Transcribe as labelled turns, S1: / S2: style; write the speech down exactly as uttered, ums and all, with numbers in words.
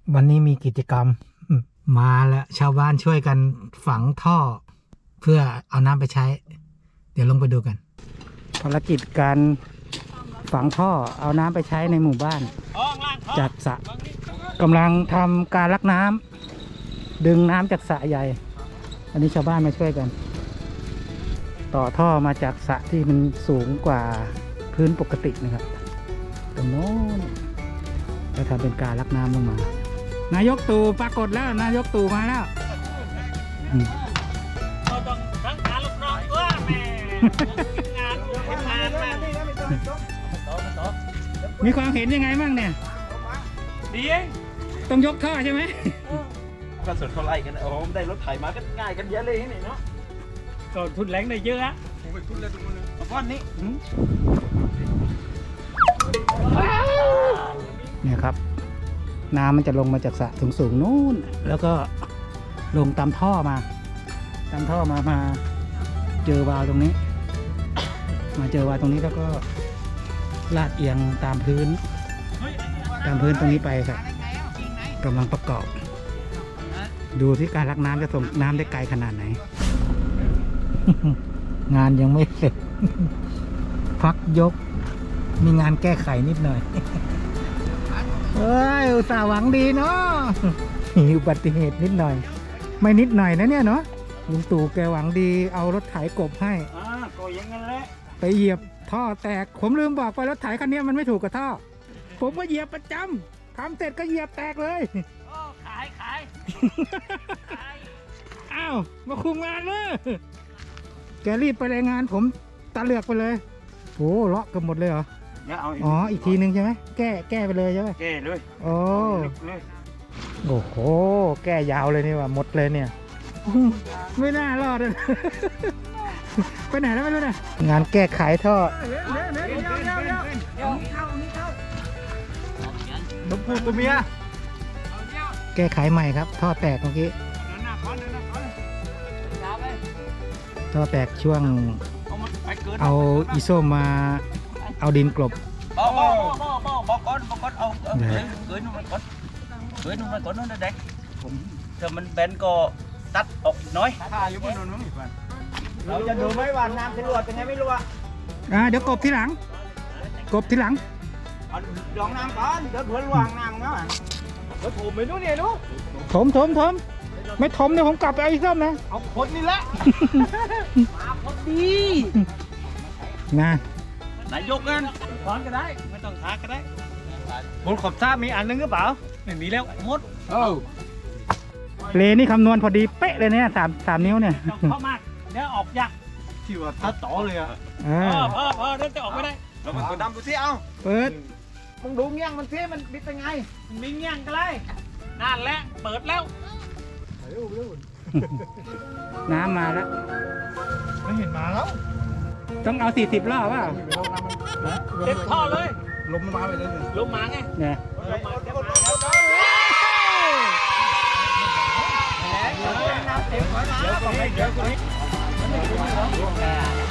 S1: วันนี้มีกิจกรรมมาแล้วชาวบ้านช่วยกันฝังท่อ เพื่อเอาน้ำไปใช้ เดี๋ยวลงไปดูกันภารกิจการฝังท่อเอาน้ำไปใช้ในหมู่บ้านจากสระกำลังทำการลักน้ำดึงน้ำจากสระใหญ่ อันนี้ชาวบ้านมาช่วยกัน ต่อท่อมาจากสระที่มันสูงกว่าพื้นปกตินะครับตรงโน้นแล้วทำเป็นการลักน้ำลงมานายกตู่ปรากฏแล้วนายกตู่มาแล้ว
S2: เราต้องทั้งการลูกน้องว่าแม่งานงานแม่
S1: มีความเห็นยังไงบ้างเนี่ย
S2: ดีเอง
S1: ต้องยกท่อใช่ไหม
S3: ก็สุดเขาไล่กันโอ้โหได้รถไถมาก็ง่ายกันเยอะเลยนี่เนาะ
S2: ก็ทุนแรงได้เยอะอะ
S3: ผมไปทุนเลยทุกคนเลยก้อนนี้
S1: เนี่ยครับน้ำมันจะลงมาจากสระสูงสูงนู้นแล้วก็ลงตามท่อมาตามท่อมามาเจอวาล์วตรงนี้ มาเจอวาล์วตรงนี้แล้วก็ลาดเอียงตามพื้นตามพื้นตรงนี้ไปครับกำลังประกอบดูที่การลักน้ำจะส่งน้ำได้ไกลขนาดไหน งานยังไม่เสร็จ พักยกมีงานแก้ไขนิดหน่อย เฮ้ยอุตส่าห์หวังดีเนาะมีอุบัติเหตุนิดหน่อยไม่นิดหน่อยนะเนี่ยเนาะลุงตู่แกหวังดีเอารถไถกบให้
S2: อ่าก็อย่างนั้นแหละ
S1: ไปเหยียบท่อแตกผมลืมบอกไปรถไถคันนี้มันไม่ถูกกับท่อผมก็เหยียบประจำทำเสร็จก็เหยียบแตกเลย
S2: โอ้ขายขาย
S1: อ้าวมาคุมงานเลยแกรีบไปรายงานผมตาเหลือกไปเลยโอ้เลาะกันหมดเลยเหรออ๋ออีกทีนึงใช่ไหมแก้แก้ไปเลยใช่ไหม
S2: แก้เลย
S1: โอ้โอ้โหแก้ยาวเลยนี่ว่าหมดเลยเนี่ยไม่น่ารอดเลยไปไหนแล้วไม่รู้นะงานแก้ไขท่อ
S3: น้ำพูตัวเมีย
S1: แก้ไขใหม่ครับท่อแตกเมื่อกี้ท่อแตกช่วงเอาอีโซมาเอาดินกลบ
S3: บอกบอกบอกบอกบอกก่อนบอกก่อนเอาเกยเกยนุ่มมันก่อนเกยนุ่มมันก่อนนั่นเด็กผมถ้ามันแบนก็ตัดออกอีกน้อยถ้าอยู่บนนู้นอีกวันเราจะดูไหมว่าน้ำจะรั่วเป็นไงไม่รั่ว
S1: อ่าเดี๋ยวกบทีหลังกบทีหลัง
S3: เอาดองน้ำก่อนเดี๋ยวเผื่อรั่วน้ำเนาะเดี๋ยวผมไปนู้นเนี่ยนู้น
S1: ถมถมถมไม่ถมเนี่ยผมกลับไปเอาอีกส้มนะ
S3: เอาคนนี่แหละมาพอดี
S1: นะ
S3: นายกกัน
S2: ถอนก็ได้ไม่ต้องทาก็ได้
S3: บนขอบท่ามีอันนึงหรือเปล่า
S2: ไม่มีแล้วหมด
S3: เออ
S1: เลนี่คำนวณพอดีเป๊ะเลยเนี่ยสามสามนิ้วเนี่ย
S2: เข้ามากเดี๋ยวออกยาก
S3: ที่ว่าถ้าต่อเลยอ่ะ
S2: เออเออเออเดี๋ยวจะออกไม่ได้
S3: เราไปกดดำดูสิเอา
S1: เปิด
S3: มึงดูเงี้ยงมันสิมันเป็นไง
S2: มีเงี้ยงก็เลยนั่นแหละเปิดแล้ว
S1: น้ำมาแล้ว
S3: ไม่เห็นมาแล้ว
S1: ต้องเอาสี่สิบรอบว่า
S2: เต็มท่อเลย
S3: ลมมาไปเลย
S2: ลมมาไง
S1: เนี่ย
S2: ลมมาเต็มมา
S3: น้ำเต็มขอน้ำเดี๋ยวก่อนเดี๋ยวก่อน